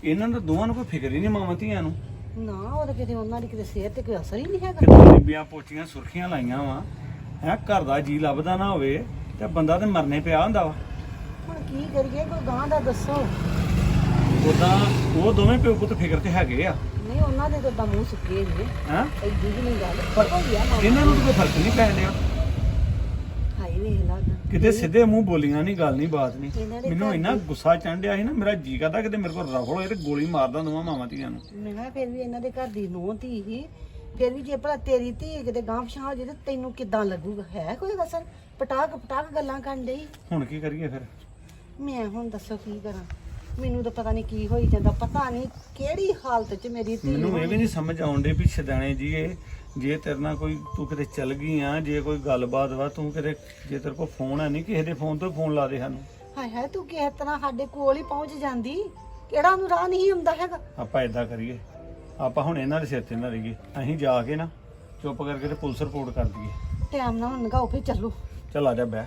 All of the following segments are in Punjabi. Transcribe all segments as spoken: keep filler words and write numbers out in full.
ਇਹਨਾਂ ਨੂੰ ਦੋਵਾਂ ਨੂੰ ਕੋਈ ਫਿਕਰ ਹੀ ਨਹੀਂ ਮਾਵਾਂ ਧੀਆਂ ਨੂੰ। ਨਾ ਉਹ ਤਾਂ ਕਿਤੇ ਉਹਨਾਂ ਦੀ ਕਿਤੇ ਸਿਹਤ ਤੇ ਕੋਈ ਅਸਰ ਹੀ ਨਹੀਂ ਹੈਗਾ। ਕਿਤੇ ਬੀਬੀਆਂ ਪੋਚੀਆਂ ਸੁਰਖੀਆਂ ਲਾਈਆਂ ਵਾ ਹੈ, ਘਰ ਦਾ ਜੀ ਲੱਭਦਾ ਨਾ ਹੋਵੇ ਤੇ ਬੰਦਾ ਤੇ ਮਰਨੇ ਪਿਆ ਹੁੰਦਾ ਵਾ। ਹੁਣ ਕੀ ਕਰੀਏ, ਕੋਈ ਗਾਂ ਦਾ ਦੱਸੋ। ਉਦਾਂ ਉਹ ਦੋਵੇਂ ਪਿਓ ਪੁੱਤ ਫਿਕਰ ਤੇ ਹੈਗੇ ਆ। ਨਹੀਂ ਉਹਨਾਂ ਦੇ ਤਾਂ ਮੂੰਹ ਸੁੱਕੇ ਜੇ ਹੈ ਐਡੀ ਵੀ ਨਹੀਂ ਗੱਲ ਪਰ ਹੋ ਗਿਆ ਮਾਂ। ਇਹਨਾਂ ਨੂੰ ਤਾਂ ਕੋਈ ਫਰਕ ਨਹੀਂ ਪੈ ਰਿਹਾ। ਹਾਈ ਵੇਖ ਲਾ ਕਿਤੇ ਸਿੱਧੇ ਮੂੰਹ ਬੋਲੀਆਂ ਨਹੀਂ, ਗੱਲ ਨਹੀਂ, ਬਾਤ ਨਹੀਂ। ਇਹਨਾਂ ਦੇ ਮੈਨੂੰ ਘਰ ਇੰਨਾ ਦੀ- ਗੁੱਸਾ ਚੜ੍ਹਿਆ ਸੀ ਨਾ, ਮੇਰਾ ਜੀ ਕਰਦਾ ਕਿਤੇ ਮੇਰੇ ਕੋਲ ਰਫਲ ਹੋਏ ਤੇ ਗੋਲੀ ਮਾਰਦਾ ਦੋਵਾਂ ਮਾਵਾਂ ਧੀਆਂ ਨੂੰ। ਮੈਂ ਕਿਹਾ ਫਿਰ ਵੀ ਇਹਨਾਂ ਦੇ ਘਰ ਦੀ ਨੂੰਹ ਧੀ ਸੀ, ਫਿਰ ਵੀ ਜੇ ਭਲਾ ਤੇਰੀ ਧੀ ਕਿਤੇ ਗਾਂਹ ਪਛਾਣ ਹੋ ਜੇ ਤੇ ਤੈਨੂੰ ਕਿੱਦਾਂ ਲੱਗੂਗਾ? ਹੈ ਕੋਈ ਅਸਰ? ਪਟਾਕ ਪਟਾਕ ਗੱਲਾਂ ਕਰਨ ਡਈ। ਹੁਣ ਕੀ ਕਰੀਏ ਫਿਰ? ਮੈਂ ਹੁਣ ਦੱਸੋ ਕੀ ਕਰਾਂ? ਮੈਨੂੰ ਤਾਂ ਪਤਾ ਨਹੀਂ ਕੀ ਹੋਈ ਜਾਂਦਾ, ਪਤਾ ਨਹੀਂ ਕਿਹੜੀ ਹਾਲਤ 'ਚ ਮੇਰੀ ਧੀ ਮੈਨੂੰ ਇਹ ਹੋਣੀ। ਵੀ ਨਹੀਂ ਸਮਝ ਆਉਂਦੇ ਵੀ ਛਦਾਣੇ ਜੀ ਇਹ ਜੇ ਤੇਰੇ ਨਾਲ ਕੋਈ ਤੂੰ ਕਿਤੇ ਚੱਲ ਗਈ ਆ, ਜੇ ਕੋਈ ਗੱਲਬਾਤ ਵਾ, ਤੂੰ ਕਿਤੇ ਜੇ ਤੇਰੇ ਕੋਲ ਫੋਨ ਹੈ ਨਹੀਂ, ਕਿਸੇ ਦੇ ਫੋਨ ਤੋਂ ਫੋਨ ਲਾ ਦੇ ਸਾਨੂੰ। ਹਾਏ ਹਾਏ ਤੂੰ ਕਿਸ ਤਰ੍ਹਾਂ ਸਾਡੇ ਕੋਲ ਹੀ ਪਹੁੰਚ ਜਾਂਦੀ, ਕਿਹੜਾ ਨੂੰ ਰਾਹ ਨਹੀਂ ਹੁੰਦਾ ਹੈਗਾ। ਆਪਾਂ ਏਦਾਂ ਕਰੀਏ, ਆਪਾਂ ਹੁਣ ਇਹਨਾਂ ਦੇ ਸਿਰ ਤੇ ਨਾ ਰਹੀਏ, ਅਸੀਂ ਜਾ ਕੇ ਨਾ ਚੁੱਪ ਕਰਕੇ ਤੇ ਪੁਲਿਸ ਰਿਪੋਰਟ ਕਰ ਦਈਏ। ਟਾਈਮ ਨਾਲ ਹੁਣ ਨਗਾਓ ਫਿਰ ਚੱਲੋ। ਚੱਲ ਆ ਜਾ ਬਹਿ।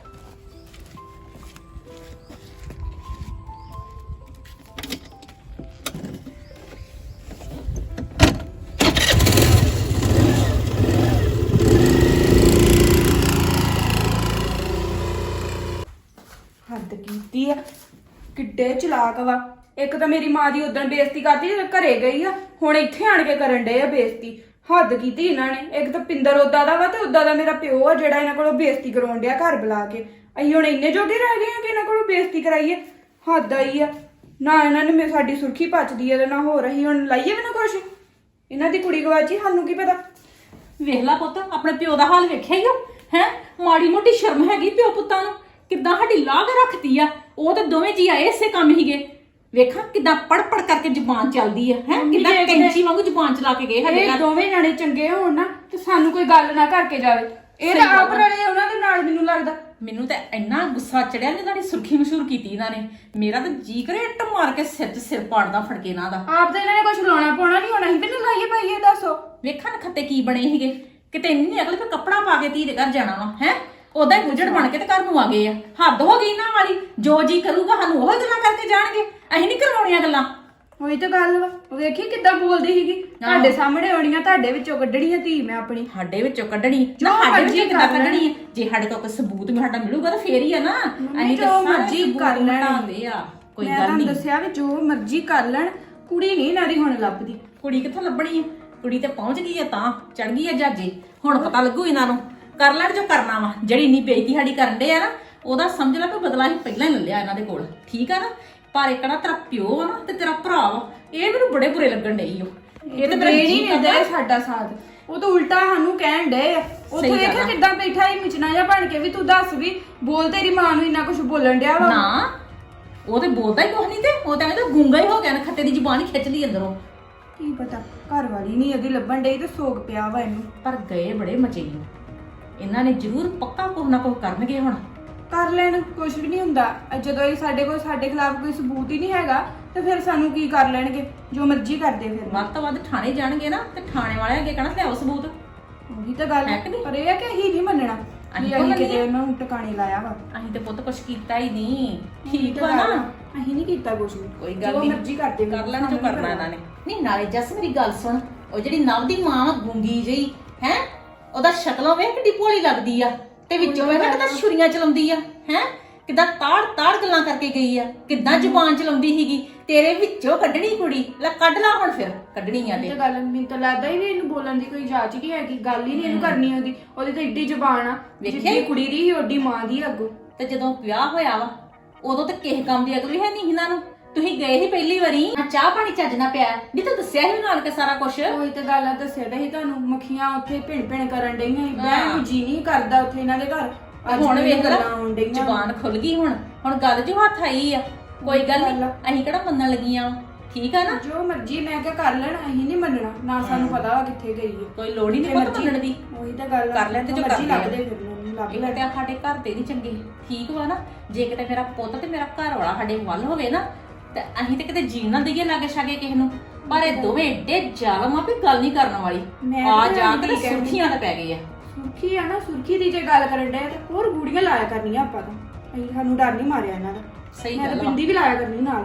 ਹੱਦ ਕੀਤੀ ਆ, ਕਿੱਡੇ ਚਲਾਕ ਵਾ। ਇੱਕ ਤਾਂ ਮੇਰੀ ਮਾਂ ਦੀ ਉਦੋਂ ਬੇਇੱਜ਼ਤੀ ਕਰਦੀ ਜਦੋਂ ਘਰੇ ਗਈ ਆ, ਹੁਣ ਇੱਥੇ ਆਣ ਕੇ ਕਰਨ ਡਏ ਆ ਬੇਇੱਜ਼ਤੀ। ਹੱਦ ਕੀਤੀ ਇਹਨਾਂ ਨੇ। ਇੱਕ ਤਾਂ ਪਿੰਦਰ ਉਦਾਂ ਦਾ ਵਾ ਤੇ ਉਦਾਂ ਦਾ ਮੇਰਾ ਪਿਓ ਆ ਜਿਹੜਾ ਇਹਨਾਂ ਕੋਲੋਂ ਬੇਇੱਜ਼ਤੀ ਕਰਾਉਣ ਡਿਆ ਘਰ ਬੁਲਾ ਕੇ। ਅਸੀਂ ਹੁਣ ਇੰਨੇ ਜੋਗੇ ਰਹਿ ਗਏ ਆ ਕਿ ਇਹਨਾਂ ਕੋਲੋਂ ਬੇਇੱਜ਼ਤੀ ਕਰਾਈਏ? ਹੱਦ ਆਈ ਆ। ਨਾ ਇਹਨਾਂ ਨੇ ਮੇ ਸਾਡੀ ਸੁਰਖੀ ਪਚਦੀ ਆ ਤੇ ਨਾ ਹੋ ਰਹੀ। ਹੁਣ ਲਾਈਏ ਵੀ ਨਾ ਕੁਛ। ਇਹਨਾਂ ਦੀ ਕੁੜੀ ਗਵਾਚੀ, ਸਾਨੂੰ ਕੀ ਪਤਾ। ਵੇਖ ਲਾ ਪੁੱਤ, ਆਪਣੇ ਪਿਓ ਦਾ ਹਾਲ ਵੇਖਿਆ ਹੀ ਉਹ ਹੈ। ਮਾੜੀ ਮੋਟੀ ਸ਼ਰਮ ਹੈਗੀ ਪਿਓ ਪੁੱਤਾਂ ਨੂੰ। ਕਿੱਦਾਂ ਸਾਡੀ ਲਾਗ ਰੱਖਤੀ ਆ। ਉਹ ਤੇ ਦੋਵੇਂ ਜੀ ਆਏ ਇਸੇ ਕੰਮ ਹੀਗੇ। ਵੇਖਾਂ ਕਿੱਦਾਂ ਪੜ ਪੜ ਕਰਕੇ ਜ਼ੁਬਾਨ ਚੱਲਦੀ ਆ ਹੈ, ਕਿੱਦਾਂ ਕੈਂਚੀ ਵਾਂਗੂ ਜ਼ੁਬਾਨ ਚਲਾ ਕੇ ਗਏ ਸਾਡੇ ਇਹ ਘਰ। ਦੋਵੇਂ ਜਾਣੇ ਚੰਗੇ ਹੋਣ ਨਾ ਤੇ ਸਾਨੂੰ ਕੋਈ ਗੱਲ ਨਾ ਕਰਕੇ ਜਾਵੇ। ਇਹ ਤਾਂ ਆਪ ਰਲੇ ਉਹਨਾਂ ਦੇ ਨਾਲ, ਮੈਨੂੰ ਲੱਗਦਾ। ਮੈਨੂੰ ਤਾਂ ਇੰਨਾ ਗੁੱਸਾ ਚੜਿਆ ਨੇ, ਇਹਨਾਂ ਦੀ ਸੁਰਖੀ ਮਸ਼ਹੂਰ ਕੀਤੀ ਇਹਨਾਂ ਨੇ। ਮੇਰਾ ਤਾਂ ਜੀ ਕਰੇ ਇੱਟ ਮਾਰ ਕੇ ਸਿਰ 'ਚ ਸਿਰ ਪਾੜਦਾ ਫੜਕੇ ਇਹਨਾਂ ਦਾ। ਆਪ ਤਾਂ ਇਹਨਾਂ ਨੇ ਕੁਝ ਲਾਉਣਾ ਪਾਉਣਾ ਨਹੀਂ ਹੋਣਾ ਸੀ, ਮੈਨੂੰ ਲਾਈਏ ਪਾਈਏ ਦੱਸੋ। ਵੇਖਾਂ ਨਾ ਖੱਤੇ ਕੀ ਬਣੇ ਸੀਗੇ। ਕਿਤੇ ਇੰਨੀ ਅਕਲ ਫਿਰ ਕੱਪੜਾ ਪਾ ਕੇ ਧੀ ਦੇ ਘਰ ਜਾਣਾ ਵਾ ਹੈ। ਉਦਾਂ ਹੀ ਗੁਜੜ ਬਣ ਕੇ ਤੇ ਘਰ ਨੂੰ ਆ ਗਏ ਆ। ਹੱਦ ਹੋ ਗਈ ਇਹਨਾਂ ਵਾਲੀ। ਜੋ ਜੀ ਕਰੂਗਾ ਸਾਨੂੰ ਉਹ ਗੱਲਾਂ ਕਰਕੇ ਜਾਣਗੇ, ਅਸੀਂ ਨਹੀਂ ਕਰਵਾਉਣੀਆਂ ਗੱਲਾਂ। ਉਹੀ ਤਾਂ ਗੱਲ ਵਾ। ਉਹ ਵੇਖੀ ਕਿੱਦਾਂ ਬੋਲਦੀ ਸੀਗੀ। ਤੁਹਾਡੇ ਸਾਹਮਣੇ ਆਉਣੀਆਂ, ਤੁਹਾਡੇ ਵਿੱਚੋਂ ਕੱਢਣੀ ਹੈ ਧੀ ਮੈਂ ਆਪਣੀ। ਸਾਡੇ ਵਿੱਚੋਂ ਕੱਢਣੀ ਨਾ, ਸਾਡੇ ਵਿੱਚੋਂ ਕਿੱਦਾਂ ਕੱਢਣੀ ਹੈ? ਜੇ ਸਾਡੇ ਕੋਲ ਕੋਈ ਸਬੂਤ ਵੀ ਸਾਡਾ ਮਿਲੂਗਾ ਤਾਂ ਫੇਰ ਹੀ ਆ ਨਾ। ਅਸੀਂ ਜੋ ਮਰਜ਼ੀ ਕਰ ਲੈਣ ਹੁੰਦੇ ਆ, ਕੋਈ ਮੈਂ ਗੱਲ ਤੁਹਾਨੂੰ ਨਹੀਂ। ਦੱਸਿਆ ਵੀ ਜੋ ਮਰਜ਼ੀ ਕਰ ਲੈਣ, ਕੁੜੀ ਨਹੀਂ ਇਹਨਾਂ ਦੀ ਹੁਣ ਲੱਭਦੀ। ਕੁੜੀ ਕਿੱਥੋਂ ਲੱਭਣੀ ਹੈ? ਕੁੜੀ ਤੇ ਪਹੁੰਚ ਗਈ ਹੈ, ਤਾਂ ਚੜ ਗਈ ਹੈ ਜਹਾਜ਼ੇ। ਹੁਣ ਪਤਾ ਲੱਗੂ ਇਹਨਾਂ ਨੂੰ। ਕਰ ਲੈਣ ਜੋ ਕਰਨਾ ਵਾ। ਜਿਹੜੀ ਇੰਨੀ ਬੇਇੱਜ਼ਤੀ ਸਾਡੀ ਕਰਨ ਦੇ ਆ ਨਾ, ਉਹਦਾ ਸਮਝ ਲੈ ਕੋਈ ਬਦਲਾ ਹੀ ਪਹਿਲਾਂ ਹੀ ਲੈ ਲਿਆ ਇਹਨਾਂ ਦੇ ਕੋਲ। ਠੀਕ ਆ ਨਾ? ਪਰ ਇੱਕ ਨਾ ਤੇਰਾ ਪਿਓ ਆ ਨਾ ਤੇ ਤੇਰਾ ਭਰਾ ਵਾ, ਇਹ ਮੈਨੂੰ ਬੜੇ ਬੁਰੇ ਲੱਗਣ ਡਈ ਓ। ਇਹ ਤੇ ਮੇਰਾ ਨਹੀਂ ਜੀ ਦਿੰਦੇ ਕਰਦਾ ਸਾਡਾ ਸਾਥ। ਉਹ ਤਾਂ ਉਲਟਾ ਸਾਨੂੰ ਕਹਿਣ ਡਏ ਆ। ਉੱਥੇ ਸਹੀ ਗੱਲ ਦੇਖਿਆ ਆ। ਕਿੱਦਾਂ ਬੈਠਾ ਹੀ ਮਿਚਣਾ ਜਿਹਾ ਬਣ ਕੇ ਵੀ ਤੂੰ ਦੱਸ ਵੀ ਬੋਲ, ਤੇਰੀ ਮਾਂ ਨੂੰ ਇੰਨਾ ਕੁਝ ਬੋਲਣ ਡਿਆ ਵਾ। ਨਾ, ਉਹ ਤੇ ਬੋਲਦਾ ਹੀ ਕੁਛ ਨਹੀਂ। ਤੇ ਉਹ ਤਾਂ ਕਹਿੰਦਾ ਗੂੰਗਾ ਹੀ ਹੋ ਗਿਆ ਨਾ, ਖੱਤੇ ਦੀ ਜ਼ੁਬਾਨ ਹੀ ਖਿੱਚ ਲਈ ਅੰਦਰੋਂ। ਕੀ ਪਤਾ ਘਰ ਵਾਲੀ ਨਹੀਂ ਇਹਦੀ ਲੱਭਣ ਡਈ ਤੇ ਸੋਗ ਪਿਆ ਵਾ ਇਹਨੂੰ। ਪਰ ਗਏ ਬੜੇ ਮਚੇ ਈ ਓ। ਇਹਨਾਂ ਨੇ ਜ਼ਰੂਰ ਪੱਕਾ ਕੁਛ ਨਾ ਕੁਛ ਕਰਨਗੇ ਹੁਣ। ਕਰ ਲੈਣ, ਕੁਝ ਵੀ ਨਹੀਂ ਹੁੰਦਾ। ਜਦੋਂ ਇਹ ਸਾਡੇ ਕੋਲ ਸਾਡੇ ਖਿਲਾਫ ਕੋਈ ਸਬੂਤ ਹੀ ਨਹੀਂ ਹੈਗਾ ਤੇ ਫਿਰ ਸਾਨੂੰ ਕੀ ਕਰ ਲੈਣਗੇ? ਜੋ ਮਰਜ਼ੀ ਕਰਦੇ ਫਿਰ। ਵੱਧ ਤੋਂ ਵੱਧ ਥਾਣੇ ਜਾਣਗੇ ਨਾ ਤੇ ਥਾਣੇ ਵਾਲੇ ਅੱਗੇ ਕਹਿਣਾ ਲਿਆਓ ਸਬੂਤ। ਉਹੀ ਤਾਂ ਗੱਲ ਹੈ ਕਿ ਨਹੀਂ? ਪਰ ਇਹ ਆ ਕਿ ਅਸੀਂ ਨਹੀਂ ਮੰਨਣਾ ਅਸੀਂ ਅਸੀਂ ਕਿਉਂ ਕਿਤੇ ਮੰਨੀਏ? ਉਹਨਾਂ ਨੂੰ ਟਿਕਾਣੇ ਲਾਇਆ ਵਾ। ਅਸੀਂ ਤੇ ਪੁੱਤ ਕੁਛ ਕੀਤਾ ਹੀ ਨਹੀਂ। ਉਹੀ ਠੀਕ ਤਾਂ ਵਾ ਗੱਲ ਨਾ? ਆ। ਅਸੀਂ ਨਹੀਂ ਕੀਤਾ ਕੁਝ ਵੀ। ਕੋਈ ਗੱਲ ਜੋ ਨਹੀਂ, ਮਰਜ਼ੀ ਕਰਦੇ ਕਰ ਲੈਣ ਜੋ ਕਰਨਾ ਇਹਨਾਂ ਨੇ। ਨਹੀਂ ਨਾਲੇ ਜੱਸ ਮੇਰੀ ਗੱਲ ਸੁਣ, ਉਹ ਜਿਹੜੀ ਨਵ ਦੀ ਮਾਂ ਵਾ ਗੂੰਗੀ ਜਿਹੀ ਹੈ, ਉਹਦਾ ਸ਼ਕਲੋਂ ਵੇਖ ਕਿੱਡੀ ਭੋਲੀ ਲੱਗਦੀ ਆ ਤੇ ਵਿੱਚੋਂ ਵੇਖ ਕਿੱਦਾਂ ਛੁਰੀਆਂ ਚਲਾਉਂਦੀ ਆ ਹੈ। ਕਿੱਦਾਂ ਤਾੜ ਤਾੜ ਗੱਲਾਂ ਕਰਕੇ ਗਈ ਆ, ਕਿੱਦਾਂ ਜ਼ੁਬਾਨ ਚਲਾਉਂਦੀ ਸੀਗੀ। ਤੇਰੇ ਵਿੱਚੋਂ ਕੱਢਣੀ ਕੁੜੀ, ਲੈ ਕੱਢ ਲਾ ਹੁਣ। ਫਿਰ ਕੱਢਣੀ ਆ ਇਹ ਤੇ ਤਾਂ ਗੱਲ ਮੈਨੂੰ ਤਾਂ ਲੱਗਦਾ ਹੀ ਵੀ ਇਹਨੂੰ ਬੋਲਣ ਦੀ ਕੋਈ ਜਾਚ ਨਹੀਂ ਹੈਗੀ। ਗੱਲ ਹੀ ਨਹੀਂ ਇਹਨੂੰ ਕਰਨੀ ਉਹਦੀ। ਉਹਦੀ ਤਾਂ ਏਡੀ ਜ਼ੁਬਾਨ ਆ, ਵੇਖਿਆ? ਜਿੱਡੀ ਕੁੜੀ ਦੀ ਓਡੀ ਮਾਂ ਦੀ ਅੱਗੋਂ। ਤੇ ਜਦੋਂ ਵਿਆਹ ਹੋਇਆ ਵਾ ਉਦੋਂ ਤੇ ਕਿਸੇ ਕੰਮ ਦੀ ਅਕਲ ਵੀ ਹੈ ਨਹੀਂ ਇਹਨਾਂ ਨੂੰ। ਤੁਸੀਂ ਗਏ ਸੀ ਪਹਿਲੀ ਵਾਰੀ, ਆ ਚਾਹ ਪਾਣੀ ਚੱਜ ਨਾ ਪਿਆ ਵੀ ਤੂੰ ਦੱਸਿਆ ਸੀ ਨਾਲ ਕੇ ਸਾਰਾ ਕੁਝ। ਉਹੀ ਤਾਂ ਗੱਲ ਆ, ਦੱਸਿਆ ਤਾਂ ਸੀ ਤੁਹਾਨੂੰ। ਮੱਖੀਆਂ ਉੱਥੇ ਭਿਣ ਭਿਣ ਕਰਨ ਡਈਆਂ ਸੀ। ਬਹਿਣ ਨੂੰ ਜੀ ਨਹੀਂ ਕਰਦਾ ਉੱਥੇ ਇਹਨਾਂ ਦੇ ਘਰ। ਅੱਜ ਹੁਣ ਮੈਨੂੰ ਵੇਖ ਲਾ ਗੱਲਾਂ ਆਉਣ ਡਈਆਂ। ਜ਼ੁਬਾਨ ਖੁੱਲ ਗਈ। ਹੁਣ ਹੁਣ ਗੱਲ ਜੋ ਹੱਥ ਆਈ ਆ, ਕੋਈ ਗੱਲ ਨਹੀਂ। ਅਸੀਂ ਕਿਹੜਾ ਮੰਨਣ ਲੱਗੀਆਂ ਵਾਂ, ਠੀਕ ਆ ਨਾ? ਜੋ ਮਰਜ਼ੀ ਮੈਂ ਕਿਹਾ ਕਰ ਲੈਣ, ਅਸੀਂ ਨਹੀਂ ਮੰਨਣਾ ਨਾ। ਸਾਨੂੰ ਪਤਾ ਵਾ ਕਿੱਥੇ ਗਈ ਹੈ। ਕੋਈ ਲੋੜ ਹੀ ਨਹੀਂ ਪੁੱਤ ਮੰਨਣ ਦੀ। ਉਹੀ ਤਾਂ ਗੱਲ ਆ। ਕਰ ਲੈਣ ਤੇ ਜੋ ਮਰਜ਼ੀ ਕਰਦੇ ਆ। ਲੱਭਦੇ ਫਿਰ ਮੈਨੂੰ ਲੱਭ ਇਹ ਲੈ। ਤੇ ਸਾਡੇ ਘਰ ਤੇ ਨਹੀਂ ਚੰਗੇ, ਠੀਕ ਵਾ ਨਾ? ਜੇ ਕਿਤੇ ਮੇਰਾ ਪੁੱਤ ਤੇ ਮੇਰਾ ਘਰ ਵਾਲਾ ਸਾਡੇ ਵੱਲ ਹੋਵੇ ਨਾ ਤੇ ਅਸੀਂ ਤੇ ਕਿਤੇ ਜੀਣ ਨਾ ਦਈਏ ਲਾਗੇ ਛਾਗੇ ਕਿਸੇ ਨੂੰ। ਪਰ ਇਹ ਦੋਵੇਂ ਏਡੇ ਜ਼ਾਲਮ ਆ ਵੀ ਗੱਲ ਨਹੀਂ ਕਰਨ ਵਾਲੀ। ਮੈਂ ਆ ਤਾਂ ਜਾ ਕੇ ਠੀਕ ਹੈ। ਸੁਰਖੀਆਂ ਤੇ ਪੈ ਗਏ ਆ। ਸੁਰਖੀ ਆ ਨਾ, ਸੁਰਖੀ ਦੀ ਜੇ ਗੱਲ ਕਰਨ ਡਿਆ ਤੇ ਹੋਰ ਗੂੜੀਆਂ ਲਾਇਆ ਕਰਨੀਆਂ ਆਪਾਂ ਤਾਂ। ਅਸੀਂ ਸਾਨੂੰ ਡਰ ਨਹੀਂ ਮਾਰਿਆ ਇਹਨਾਂ ਦਾ। ਸਹੀ ਮੈਂ ਤਾਂ ਗੱਲ ਵਾ। ਬਿੰਦੀ ਵੀ ਲਾਇਆ ਕਰਨੀ ਨਾਲ ਹੁਣ।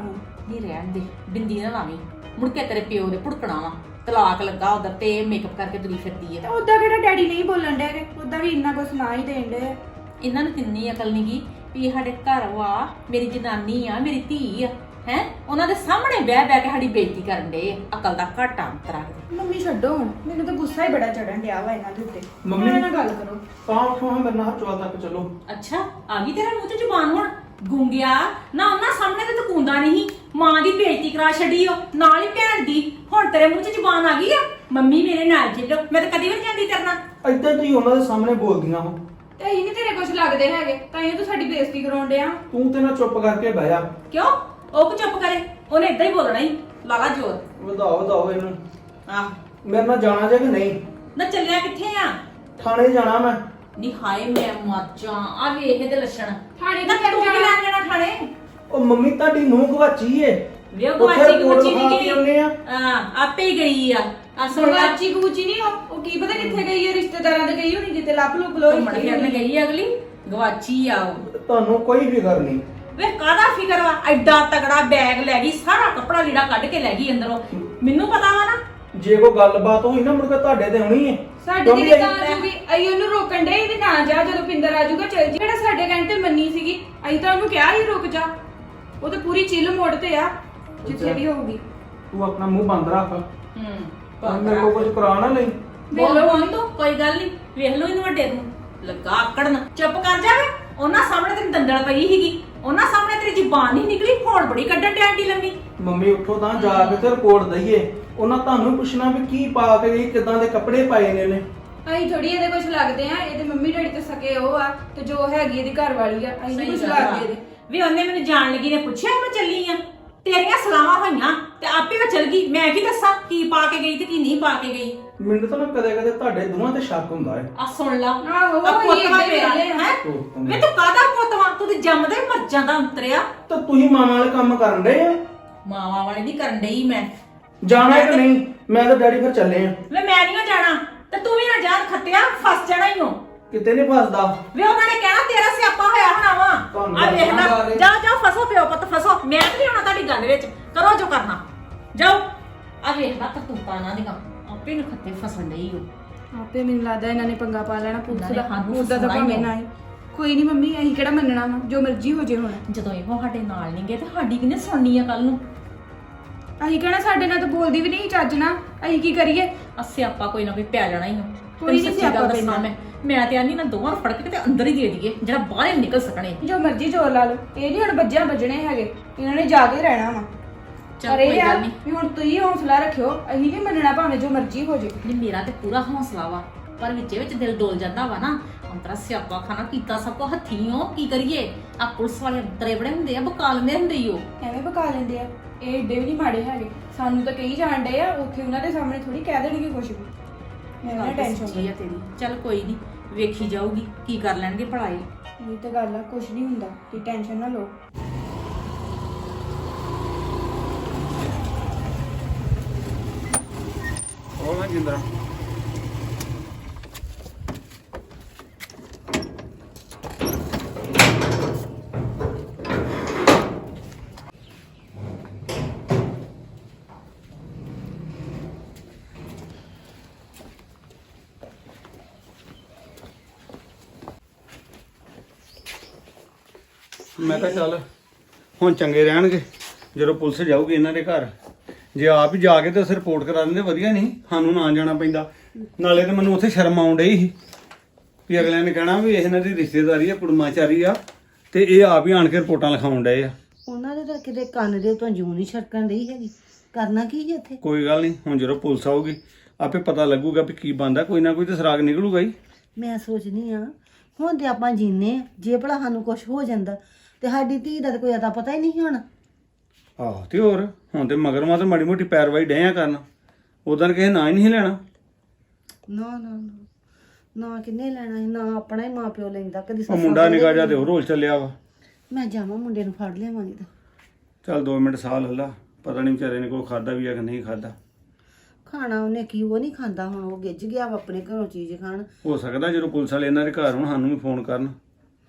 ਨਹੀਂ ਰਹਿਣ ਦੇ, ਬਿੰਦੀ ਨਾ ਲਾਵੀਂ, ਮੁੜ ਕੇ ਤੇਰੇ ਪਿਓ ਦੇ ਭੁੜਕਣਾ ਵਾ, ਤਲਾਕ ਲੱਗਾ ਉਧਰ ਤੇ ਮੇਕਅਪ ਕਰਕੇ ਤੁਰੀ ਫਿਰਦੀ ਹੈ। ਉਦਾਂ ਕਿਹੜਾ ਡੈਡੀ ਨਹੀਂ ਬੋਲਣ ਡੇ ਨੇ, ਉਦਾਂ ਵੀ ਇੰਨਾ ਕੁਝ ਸੁਣਾ ਹੀ ਦੇਣ ਡੇ। ਇਹਨਾਂ ਨੂੰ ਕਿੰਨੀ ਅਕਲ ਨੀ ਗੀ ਵੀ ਇਹ ਸਾਡੇ ਘਰ ਵਾ, ਮੇਰੀ ਜਨਾਨੀ ਆ, ਮੇਰੀ ਧੀ ਆ, ਹੈ ਉਹਨਾਂ ਦੇ ਸਾਹਮਣੇ ਬਹਿ ਬਹਿ ਕੇ ਸਾਡੀ ਬੇਇੱਜ਼ਤੀ ਕਰਨ ਡੇ। ਅਕਲ ਦਾ ਘਾਟਾ ਅੰਤਰਾ। ਮੰਮੀ ਛੱਡੋ ਹੁਣ, ਮੈਨੂੰ ਤਾਂ ਗੁੱਸਾ ਹੀ ਬੜਾ ਚੜਨ ਡਿਆ ਵਾ ਇਹਨਾਂ ਦੇ ਉੱਤੇ। ਮੰਮੀ- ਮੇਰੇ ਨਾਲ ਗੱਲ ਕਰੋ। ਤਾਂ ਉਠੋ ਹਾਂ ਮੇਰੇ ਨਾਲ ਹਰਚਵਾਲ ਤੱਕ ਚਲੋ। ਅੱਛਾ ਆ ਗਈ ਤੇਰੇ ਮੂੰਹ 'ਚ ਜ਼ੁਬਾਨ ਹੁਣ? ਗੁੰਗਿਆ ਨਾ, ਉਹਨਾਂ ਸਾਹਮਣੇ ਤੇ ਤੂੰ ਕੁੰਦਾ ਨਹੀਂ, ਮਾਂ ਦੀ ਬੇਇੱਜ਼ਤੀ ਕਰਾ ਛੱਡੀ ਓ, ਨਾਲ ਹੀ ਭੈਣ ਦੀ। ਹੁਣ ਤੇਰੇ ਮੂੰਹ 'ਚ ਜ਼ੁਬਾਨ ਆ ਗਈ ਆ? ਮੰਮੀ ਮੇਰੇ ਨਾਲ ਚੱਲੋ, ਮੈਂ ਤਾਂ ਕਦੀ ਵੀ ਨੀ ਜਾਂਦੀ ਤੇਰੇ ਨਾਲ। ਏਦਾਂ ਤੁਸੀਂ ਉਹਨਾਂ ਦੇ ਸਾਹਮਣੇ ਬੋਲਦੀਆਂ ਹੋ। ਤੇ ਅਸੀਂ ਨਹੀਂ ਤੇਰੇ ਕੁਝ ਲੱਗਦੇ ਹੈਗੇ, ਤਾਂ ਇਹ ਤੂੰ ਸਾਡੀ ਬੇਇੱਜ਼ਤੀ ਕਰਾਉਣ ਡਿਆ। ਤੂੰ ਤੇ ਨਾ ਚੁੱਪ ਕਰਕੇ ਬਹਿ ਜਾ। ਕਿਉਂ? ਉਹ ਕੁ ਚੁੱਪ ਕਰੇ, ਉਹਨੇ ਇਦਾਂ ਹੀ ਬੋਲਣਾ ਹੀ। ਲਾਲਾ ਜੋਰ ਵਧਾਓ ਵਧਾਓ ਇਹਨੂੰ। ਆਹ ਮੇਰੇ ਨਾਲ ਜਾਣਾ ਜੇ ਕਿ ਨਹੀਂ? ਨਾ ਚੱਲਿਆ ਕਿੱਥੇ ਆ? ਥਾਣੇ ਜਾਣਾ ਮੈਂ। ਨੀ ਹਾਏ ਮੈਂ ਮਰ ਜਾ, ਆ ਵੇਖ ਇਹਦੇ ਲੱਛਣ। ਥਾਣੇ ਨਾ ਕਿੱਥੇ ਤੂੰ ਕੀ ਜਾਣਾ? ਲੈਣ ਜਾਣਾ ਥਾਣੇ? ਉਹ ਮੰਮੀ ਤੁਹਾਡੀ ਨੂੰਹ ਗਵਾਚੀ ਏ। ਵੇ ਉਹ ਉੱਥੇ ਗਵਾਚੀ ਕੋਲ ਗੁੱਚੀ ਵਿਖਾ ਨਹੀਂ ਕੇ ਆਉਂਦੇ ਆ। ਗਈ। ਹਾਂ ਆਪੇ ਹੀ ਗਈ ਆ। ਅਸਲ ਗੱਲ ਗਾਚੀ ਗੂਚੀ ਨਹੀਂ ਉਹ ਉਹ ਕੀ ਪਤਾ ਕਿੱਥੇ ਗਈ ਹੈ, ਰਿਸ਼ਤੇਦਾਰਾਂ ਦੇ ਗਈ ਹੋਣੀ, ਕਿਤੇ ਲੱਭ ਲੁੱਪ ਲੋ। ਘੁੰਮਣ ਫਿਰਨ ਗਈ ਆ ਅਗਲੀ, ਗਵਾਚੀ ਆ ਉਹ। ਤੁਹਾਨੂੰ ਕੋਈ ਫਿਕਰ ਨਹੀਂ। ਵੇ ਕਾਹਦਾ ਫਿਕਰ ਵਾ? ਐਡਾ ਤਗੜਾ ਬੈਗ ਲੈ ਗਈ, ਸਾਰਾ ਕੱਪੜਾ ਲੀੜਾ ਕੱਢ ਕੇ ਲੈ ਗਈ ਅੰਦਰੋਂ। ਮੈਨੂੰ ਪਤਾ ਵਾ ਨਾ। ਜੇ ਕੋਈ ਗੱਲਬਾਤ ਹੋਈ ਨਾ ਮੁੜ ਕੇ ਤੁਹਾਡੇ ਤੇ ਹੋਣੀ ਏ। ਸਾਡੀ ਕਿਉਂਕਿ ਕਿਤੇ ਤਾਂ ਅਸੀਂ- ਆਜੂਗੀ, ਅਸੀਂ ਉਹਨੂੰ ਰੋਕਣ ਦੇ ਵੀ ਨਾ ਜਾ, ਜਦੋਂ ਪਿੰਦਰ ਆਜੂਗਾ ਚੱਲ ਜੀ। ਜਿਹੜਾ ਸਾਡੇ ਕਹਿਣ ਤੇ ਮੰਨੀ ਸੀਗੀ, ਅਸੀਂ ਤਾਂ ਉਹਨੂੰ ਕਿਹਾ ਹੀ ਰੁਕ ਜਾ। ਉਹ ਤਾਂ ਪੂਰੀ ਚਿੱਲ ਮੋੜ ਤੇ ਆ ਜਿੱਥੇ ਵੀ ਹੋਊਗੀ। ਤੂੰ ਆਪਣਾ ਮੂੰਹ ਬੰਦ ਰੱਖ। ਹੂੰ ਮੇਰੇ ਕੋਲ ਕੁਝ ਕਰਾ ਨਾ ਲਈ। ਵੇਖ ਲਓ ਹੁਣ ਤੂੰ, ਕੋਈ ਗੱਲ ਨਹੀਂ, ਵੇਖ ਲਓ ਇਹਨੂੰ ਵੱਡੇ ਨੂੰ ਲੱਗਾ ਆਕੜਨ। ਚੁੱਪ ਕਰ ਜਾਵੇ, ਉਹਨਾਂ ਸਾਹਮਣੇ ਤੇਰੀ ਦੰਦਲ ਪਈ ਸੀਗੀ, ਉਹਨਾਂ ਸਾਹਮਣੇ ਤੇਰੀ ਜ਼ੁਬਾਨ ਨਹੀਂ ਨਿਕਲੀ, ਫੋਨ ਬੜੀ ਕੱਢਣ ਡਿਆ ਆਂਟੀ ਲੰਮੀ। ਮੰਮੀ ਉੱਠੋ ਤਾਂ ਜਾ ਕੇ ਤੇ ਰਿਪੋਰਟ ਦਈਏ। ਉਹਨਾਂ ਤੁਹਾਨੂੰ ਪੁੱਛਣਾ ਵੀ ਕੀ ਪਾ ਕੇ ਗਈ, ਕਿਦਾਂ ਦੇ ਕੱਪੜੇ ਪਾਏ ਨੇ ਇਹਨੇ। ਅਸੀਂ ਥੋੜੀ ਇਹਦੇ ਕੁਝ ਲੱਗਦੇ ਆ, ਇਹਦੇ ਮੰਮੀ ਡੈਡੀ ਤੇ ਸਕੇ ਉਹ ਆ, ਤੇ ਜੋ ਹੈਗੀ ਇਹਦੀ ਘਰ ਵਾਲੀ ਆ, ਅਸੀਂ ਨਹੀਂ ਕੁਝ ਲੱਗਦੇ ਇਹਦੇ। ਵੀ ਉਹਨੇ ਮੈਨੂੰ ਜਾਣ ਲੱਗੀ ਨੇ ਪੁੱਛਿਆ ਮੈਂ ਚੱਲੀ ਆ, ਤੇਰੀਆਂ ਸਲਾਹਾਂ ਹੋਈਆਂ ਤੇ ਆਪੇ ਮੈਂ ਚੱਲ ਗਈ। ਮੈਂ ਕੀ ਦੱਸਾਂ ਕੀ ਪਾ ਕੇ ਗਈ ਤੇ ਕੀ ਨਹੀਂ ਪਾ ਕੇ ਗਈ? ਮੈਨੂੰ ਤਾਂ ਨਾ ਕਦੇ ਕਦੇ ਤੁਹਾਡੇ ਦੋਵਾਂ ਤੇ ਸ਼ੱਕ ਹੁੰਦਾ ਹੈ। ਆ ਸੁਣ ਲਾ, ਆਹੋ, ਆ ਪੁੱਤ ਇਹ ਵਾ ਏਦਾਂ ਮੇਰਾ ਵੇਲੇ ਆ। ਹੈ। ਵੇ ਤੂੰ ਕਾਹਦਾ ਪੁੱਤ ਵਾ? ਤੂੰ ਤੇ ਜੰਮਦਾ ਹੀ ਮਰ ਜਾਂਦਾ ਉਤਰਿਆ। ਤਾਂ ਤੁਸੀਂ ਮਾਮਾ ਵਾਲੇ ਕੰਮ ਕਰਨ ਡਏ ਆ। ਮਾਵਾਂ ਵਾਲੀ ਨਹੀਂ ਕਰਨ ਡਈ ਮੈਂ। ਜਾਣਾ ਹੈ ਕਿ ਨਹੀਂ? ਮੈਂ ਤਾਂ ਡੈਡੀ ਫਿਰ ਚੱਲੇ ਆ। ਵੇ ਮੈਂ ਨਹੀਂ ਜਾਣਾ ਤੇ ਤੂੰ ਵੀ ਨਾ ਜਾਣ, ਖੱਤਿਆ ਫਸ ਜਾਣਾ ਹੀ ਹੋ। ਕਿਤੇ ਨਹੀਂ ਫਸਦਾ। ਵੇ ਉਹਨਾਂ ਨੇ ਕਹਿਣਾ ਤੇਰਾ ਸਿਆਪਾ ਹੋਇਆ ਹੋਣਾ ਵਾ। ਤੁਹਾਨੂੰ ਆ ਵੇਖ ਲੱਗਣਾ ਲੈ, ਗੱਲ ਏ। ਜਾ ਜਾ ਫਸੋ ਪਿਓ ਪੁੱਤ ਫਸੋ। ਮੈਂ ਤੇ ਨਹੀਂ ਹੋਣਾ ਤੁਹਾਡੀ ਗੱਲ ਵਿੱਚ, ਕਰੋ ਜੋ ਕਰਨਾ ਜਾਓ। ਆ ਵੇਖ ਲੈ ਕਰਤੂਤਾਂ ਨਾ ਦੀਆਂ, ਆਪੇ ਨੂੰ ਖੱਤੇ ਫਸਣ ਡਈ ਹੋ। ਆਪੇ ਮੈਨੂੰ ਲੱਗਦਾ ਇਹਨਾਂ ਨੇ ਪੰਗਾ ਪਾ ਲੈਣਾ ਪੁਲਿਸ ਇਹਨਾਂ ਨੇ ਦਾ। ਸਾਨੂੰ ਉਹਦਾ ਤਾਂ ਫਸਾਉਣਾ ਹੀ ਭਾਵੇਂ ਨਾ ਹੀ। ਕੋਈ ਨਹੀਂ ਮੰਮੀ, ਅਸੀਂ ਕਿਹੜਾ ਮੰਨਣਾ ਵਾ, ਜੋ ਮਰਜ਼ੀ ਹੋ ਜੇ ਹੁਣ। ਜਦੋਂ ਇਹੋ ਸਾਡੇ ਨਾਲ ਨਹੀਂ ਗਏ ਤੇ ਸਾਡੀ ਕਿਹਨੇ ਸੁਣਨੀ ਆ ਕੱਲ ਨੂੰ? ਅਸੀਂ ਕਹਿਣਾ ਸਾਡੇ ਨਾਲ ਤਾਂ ਬੋਲਦੀ ਵੀ ਨਹੀਂ ਚੱਜ ਨਾ, ਅਸੀਂ ਕੀ ਕਰੀਏ? ਆ ਸਿਆਪਾ ਕੋਈ ਨਾ ਕੋਈ ਪੈ ਜਾਣਾ ਹੀ ਹੋ। ਕੋਈ ਨੀ ਸੱਚੀ ਸਿਆਪਾ ਗੱਲ ਦੱਸਾਂ ਪੈਣਾ। ਮੈਂ ਮੈਂ ਤੇ ਆਨੀ ਨਾ ਦੋਵਾਂ ਨੂੰ ਫੜ ਕੇ ਤੇ ਅੰਦਰ ਹੀ ਦੇ ਦਈਏ, ਜਿਹੜਾ ਬਾਹਰ ਹੀ ਨਿਕਲ ਸਕਣੇ। ਜੋ ਮਰਜ਼ੀ ਜ਼ੋਰ ਲਾ ਲਓ, ਇਹ ਨਹੀਂ ਹੁਣ ਬੱਜਿਆਂ ਵੱਜਣੇ ਹੈਗੇ, ਇਹਨਾਂ ਨੇ ਜਾ ਕੇ ਰਹਿਣਾ ਵਾ। ਚੱਲ ਪਰ ਇਹ ਕੋਈ ਆ ਗੱਲ ਨਹੀਂ। ਵੀ ਹੁਣ ਤੁਸੀਂ ਹੌਸਲਾ ਰੱਖਿਓ, ਅਸੀਂ ਨਹੀਂ ਮੰਨਣਾ ਭਾਵੇਂ ਜੋ ਮਰਜ਼ੀ ਹੋ ਜੇ। ਨਹੀਂ ਮੇਰਾ ਤੇ ਪੂਰਾ ਹੌਸਲਾ ਵਾ, ਪਰ ਵਿੱਚੇ ਵਿੱਚ ਦਿਲ ਡੋਲ ਜਾਂਦਾ ਵਾ ਨਾ। ਅੰਤਰਾ ਸਿਆਪਾ ਖਾਣਾ ਕੀਤਾ ਸਭ ਕੋ ਹੱਥੀਂ। ਕੀ ਕਰੀਏ? ਆ ਪੁਲਿਸ ਵਾਲੇ ਅੰਤਰੇ ਬੜੇ ਹੁੰਦੇ ਆ, ਬਕਾਲਦੇ ਹੁੰਦੇ ਈ ਉਹ। ਐਵੇਂ ਪਕਾ ਲੈਂਦੇ ਆ, ਇਹ ਏਡੇ ਵੀ ਨਹੀਂ ਮਾੜੇ ਹੈਗੇ। ਸਾਨੂੰ ਤਾਂ ਕਹੀ ਜਾਣ ਡੇ ਆ, ਉੱਥੇ ਉਹਨਾਂ ਦੇ ਸਾਹਮਣੇ ਥੋੜੀ ਕਹਿ ਦੇਣਗੇ ਕੁਝ ਵੀ। ਮੈਂ ਨਾ ਟੈਨਸ਼ਨ ਸੱਚੀ ਆ ਤੇਰੀ। ਚੱਲ ਕੋਈ ਨਹੀਂ, ਵੇਖੀ ਜਾਊਗੀ ਕੀ ਕਰ ਲੈਣਗੇ ਭਲਾਈ। ਇਹ ਤਾਂ ਗੱਲ ਆ, ਕੁਝ ਨਹੀਂ ਹੁੰਦਾ, ਤੁਸੀਂ ਟੈਨਸ਼ਨ ਨਾ ਲਓ। ਉਹ ਨਾ ਜਿੰਦਰਾ ਮੈਂ ਕਿਹਾ ਚੱਲ ਹੁਣ ਚੰਗੇ ਰਹਿਣਗੇ ਜਦੋਂ ਪੁਲਿਸ ਜਾਊਗੀ ਇਹਨਾਂ ਦੇ ਘਰ। ਜੇ ਆਪ ਹੀ ਜਾ ਕੇ ਤੇ ਅਸੀਂ ਰਿਪੋਰਟ ਕਰਾ ਦਿੰਦੇ ਵਧੀਆ ਨਹੀਂ, ਸਾਨੂੰ ਨਾ ਜਾਣਾ ਪੈਂਦਾ। ਨਾਲੇ ਤੇ ਮੈਨੂੰ ਉੱਥੇ ਸ਼ਰਮ ਆਉਣ ਡਈ ਸੀ ਵੀ ਅਗਲਿਆਂ ਨੇ ਕਹਿਣਾ ਵੀ ਇਹਨਾਂ ਦੀ ਰਿਸ਼ਤੇਦਾਰੀ ਆ, ਕੁੜਮਾਚਾਰੀ ਆ, ਤੇ ਇਹ ਆਪ ਹੀ ਆਣ ਕੇ ਰਿਪੋਰਟਾਂ ਲਿਖਾਉਣ ਡਏ ਆ। ਉਹਨਾਂ ਦੇ ਤਾਂ ਕਿਤੇ ਕੰਨ ਦੇ ਉੱਤੋਂ ਜੂੰ ਨਹੀਂ ਛੜਕਣ ਰਹੀ ਹੈਗੀ। ਕਰਨਾ ਕੀ ਹੈ ਇੱਥੇ? ਕੋਈ ਗੱਲ ਨਹੀਂ, ਹੁਣ ਜਦੋਂ ਪੁਲਿਸ ਆਊਗੀ ਆਪੇ ਪਤਾ ਲੱਗੂਗਾ ਵੀ ਕੀ ਬਣਦਾ। ਕੋਈ ਨਾ ਕੋਈ ਤਾਂ ਸਰਾਗ ਨਿਕਲੂਗਾ ਹੀ। ਮੈਂ ਸੋਚਦੀ ਆ ਹੁਣ ਤੇ ਆਪਾਂ ਜੀਨੇ ਆ, ਜੇ ਭਲਾ ਸਾਨੂੰ ਕੁਝ ਹੋ ਜਾਂਦਾ ਤੇ ਸਾਡੀ ਧੀ ਦਾ ਤਾਂ ਕੋਈ ਅਤਾ ਪਤਾ ਹੀ ਨਹੀਂ ਹੋਣਾ। ਆਹ ਤੇ ਹੋਰ ਹੁਣ ਤੇ ਮਗਰ ਮਾ ਤੇ ਮਾੜੀ ਮੋਟੀ ਪੈਰਵਾਈ ਡਿਆ ਕਰਨ। ਉਦੋਂ ਕਿਸੇ ਨਾ ਹੀ ਨਹੀਂ ਲੈਣਾ। ਨਾ ਨਾ ਨਾ ਨਾ ਕਿੰਨੇ ਲੈਣਾ ਸੀ, ਨਾ ਆਪਣਾ ਹੀ ਮਾਂ ਪਿਓ ਲੈਂਦਾ। ਕਦੀ ਉਹ ਸੱਸਾਂ ਮੁੰਡਾ ਸਹੁਰੇ ਨਿਕਾ ਜਾ ਤੇ ਉਹ ਰੋਲ ਚੱਲਿਆ ਵਾ। ਮੈਂ ਜਾਵਾਂ ਮੁੰਡੇ ਨੂੰ ਫੜ ਲਿਆਵਾਂਗੀ ਤਾਂ। ਚੱਲ ਦੋ ਮਿੰਟ ਸਾਹ ਲੈ ਲਾ, ਪਤਾ ਨਹੀਂ ਵਿਚਾਰੇ ਨੇ ਕੋਈ ਖਾਦਾ ਵੀ ਆ ਕਿ ਨਹੀਂ ਖਾਦਾ। ਖਾਣਾ ਉਹਨੇ ਕੀ, ਉਹ ਨਹੀਂ ਖਾਂਦਾ। ਹੁਣ ਉਹ ਗਿੱਜ ਗਿਆ ਵਾ ਆਪਣੇ ਘਰੋਂ ਚੀਜ਼ ਖਾਣ। ਹੋ ਸਕਦਾ ਜਦੋਂ ਪੁਲਿਸ ਵਾਲੇ ਇਹਨਾਂ ਦੇ ਘਰ ਹੁਣ ਸਾਨੂੰ ਵੀ ਫੋਨ ਕਰਨ।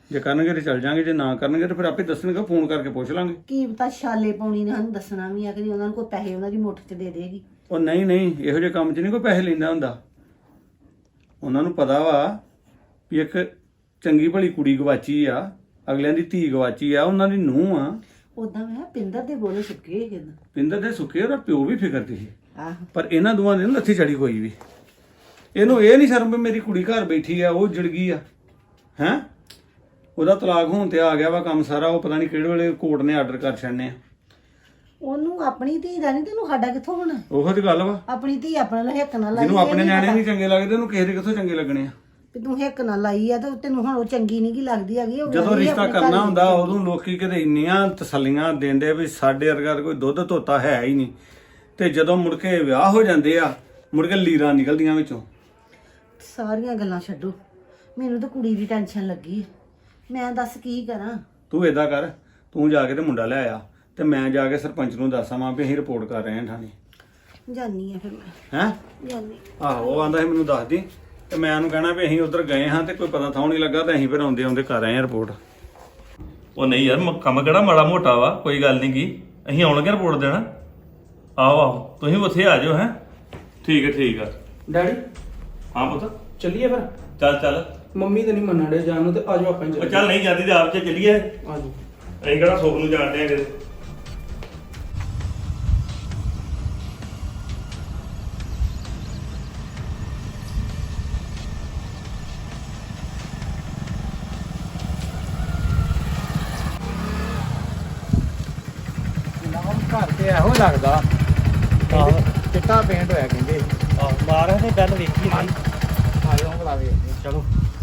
ਜੇ ਕਰਨਗੇ ਤੇ ਚੱਲ ਜਾਾਂਗੇ, ਜੇ ਨਾ ਕਰਨਗੇ ਤੇ ਫਿਰ ਆਪੇ ਦੱਸਣਗੇ, ਫੋਨ ਕਰਕੇ ਪੁੱਛ ਲਾਂਗੇ। ਕੀ ਪਤਾ ਛਾਲੇ ਪਾਉਣੀ ਨੇ ਸਾਨੂੰ ਦੱਸਣਾ ਵੀ ਆ ਕਿ ਉਹਨਾਂ ਨੂੰ ਕੋਈ ਪੈਸੇ ਉਹਨਾਂ ਦੀ ਮੁੱਠ 'ਚ ਦੇ ਦੇਗੀ। ਉਹ ਨਹੀਂ ਨਹੀਂ, ਇਹੋ ਜਿਹੇ ਕੰਮ 'ਚ ਨਹੀਂ ਕੋਈ ਪੈਸੇ ਲੈਂਦਾ ਹੁੰਦਾ। ਉਹਨਾਂ ਨੂੰ ਪਤਾ ਵਾ ਵੀ ਇੱਕ ਚੰਗੀ ਭਲੀ ਕੁੜੀ ਗਵਾਚੀ ਆ, ਅਗਲਿਆਂ ਦੀ ਧੀ ਗਵਾਚੀ ਆ, ਉਹਨਾਂ ਦੀ ਨੂੰਹ ਆ। ਉਦਾਂ ਮੈਂ ਪਿੰਦਰ ਦੇ ਬੋਲੇ ਸੁੱਕੇ ਸੀ। ਪਿੰਦਰ ਦੇ ਸੁੱਕੇ, ਉਹਦਾ ਪਿਓ ਵੀ ਫਿਕਰਦੀ ਸੀ, ਆਹੋ ਪਰ ਇਹਨਾਂ ਦੋਵਾਂ ਦੀ ਨੀ ਲੱਥੀ ਚੜੀ ਕੋਈ ਵੀ। ਇਹਨੂੰ ਇਹ ਨਹੀਂ ਸ਼ਰਮ ਵੀ ਮੇਰੀ ਕੁੜੀ ਘਰ ਬੈਠੀ ਆ, ਉਹ ਜੜ ਗਈ ਆ। ਹੈਂ, ਉਹਦਾ ਤਲਾਕ ਹੋਣ ਤੇ ਆ ਗਿਆ ਵਾ ਕੰਮ ਸਾਰਾ, ਉਹ ਪਤਾ ਨਹੀਂ ਕਿਹੜੇ ਵੇਲੇ ਕੋਰਟ ਨੇ ਆਰਡਰ ਕਰ ਛੱਡਨੇ ਆ। ਉਹਨੂੰ ਆਪਣੀ ਧੀ ਦਾ ਨਹੀਂ, ਤੈਨੂੰ ਸਾਡਾ ਕਿੱਥੋਂ ਹੋਣਾ? ਉਹੋ ਤੇ ਗੱਲ ਵਾ, ਆਪਣੀ ਧੀ ਆਪਣੇ ਨਾਲ ਹਿੱਕ ਨਾਲ ਲਾਈ। ਜਿਹਨੂੰ ਆਪਣੇ ਇਹ ਨੀ ਨਿਆਣੇ ਪਤਾ ਨਹੀਂ ਚੰਗੇ ਲੱਗਦੇ ਉਹਨੂੰ ਕਿਸੇ ਦੇ ਕਿੱਥੋਂ ਚੰਗੇ ਲੱਗਣੇ ਆ। ਵੀ ਤੂੰ ਹਿੱਕ ਨਾਲ ਲਾਈ ਆ ਤੇ ਤੈਨੂੰ ਹੁਣ ਉਹ ਚੰਗੀ ਨਹੀਂ ਗੀ ਲੱਗਦੀ ਹੈਗੀ। ਉਹ ਜਦੋਂ ਗਈ ਰਿਸ਼ਤਾ ਆਪਣੇ ਘਰ ਕਰਨਾ ਦੀ ਹੁੰਦਾ ਚੰਗੀ। ਉਦੋਂ ਲੋਕੀ ਕਿਤੇ ਇੰਨੀਆਂ ਤਸੱਲੀਆਂ ਦਿੰਦੇ ਵੀ ਸਾਡੇ ਵਰਗਾ ਕੋਈ ਦੁੱਧ ਧੋਤਾ ਹੈ ਹੀ ਨਹੀਂ, ਤੇ ਜਦੋਂ ਮੁੜ ਕੇ ਵਿਆਹ ਹੋ ਜਾਂਦੇ ਆ, ਮੁੜ ਕੇ ਲੀਰਾਂ ਨਿਕਲਦੀਆਂ ਵਿੱਚੋਂ। ਸਾਰੀਆਂ ਗੱਲਾਂ ਛੱਡੋ, ਮੈਨੂੰ ਤਾਂ ਕੁੜੀ ਦੀ ਟੈਨਸ਼ਨ ਲੱਗੀ ਹੈ। ਮੈਂ ਦੱਸ ਕੀ ਕਰਾਂ? ਤੂੰ ਏਦਾਂ ਕਰ, ਤੂੰ ਜਾ ਕੇ ਤੇ ਮੁੰਡਾ ਲੈ ਆ, ਤੇ ਮੈਂ ਜਾ ਕੇ ਸਰਪੰਚ ਨੂੰ ਦੱਸਾਂ ਵੀ ਅਸੀਂ ਰਿਪੋਰਟ ਕਰ ਰਹੇ ਹਾਂ ਥਾਣੇ। ਜਾਨੀ ਆ ਫਿਰ ਮੈਂ, ਹੈਂ ਜਾਨੀ। ਆਹੋ, ਉਹ ਆਂਦਾ ਸੀ ਮੈਨੂੰ ਦੱਸ ਦੀ, ਤੇ ਮੈਂ ਉਹਨੂੰ ਕਹਿਣਾ ਵੀ ਅਸੀਂ ਉਧਰ ਗਏ ਹਾਂ ਤੇ ਕੋਈ ਪਤਾ ਥਾਂ ਨਹੀਂ ਲੱਗਾ, ਤੇ ਅਸੀਂ ਫਿਰ ਆਉਂਦੇ ਆਉਂਦੇ ਕਰ ਰਹੇ ਹਾਂ ਰਿਪੋਰਟ। ਉਹ ਨਹੀਂ ਯਾਰ, ਮ- ਕੰਮ ਕਿਹੜਾ ਮਾੜਾ ਮੋਟਾ ਵਾ, ਕੋਈ ਗੱਲ ਨਹੀਂ ਗੀ, ਅਸੀਂ ਆਉਣਗੇ ਰਿਪੋਰਟ ਦੇਣਾ। ਆਹੋ ਆਹੋ, ਤੁਸੀਂ ਉੱਥੇ ਆ ਜਾਓ। ਹੈ ਠੀਕ ਹੈ ਠੀਕ ਆ। ਡੈਡੀ ਹਾਂ ਪੁੱਤ, ਚੱਲੀਏ ਫਿਰ। ਚੱਲ ਚੱਲ। ਮੰਮੀ ਤਾਂ ਨਹੀਂ ਮੰਨਣ ਡੇ ਜਾਣ ਨੂੰ, ਤੇ ਆਜੋ ਆਪਾਂ ਹੀ ਉਹ ਚੱਲੀਏ। ਚੱਲ ਨਹੀਂ ਜਾਂਦੀ ਤੇ ਆਪ ਚ ਚੱਲੀਏ। ਆਜੋ। ਅਸੀਂ ਕਿਹੜਾ ਸੁੱਖ ਨੂੰ ਜਾਣਦੇ ਆ ਕਿਤੇ। ਘਰ ਤੇ ਇਹੋ ਲੱਗਦਾ ਆਹ ਚਿੱਟਾ ਪੇਂਟ ਹੋਇਆ ਕਹਿੰਦੇ। ਆਹ ਮਾਰ ਤੇ ਗੱਲ ਵੇਖੀ ਨਹੀਂ। ਆਜੋ ਬੁਲਾ ਵੇਖਦੇ ਚਲੋ।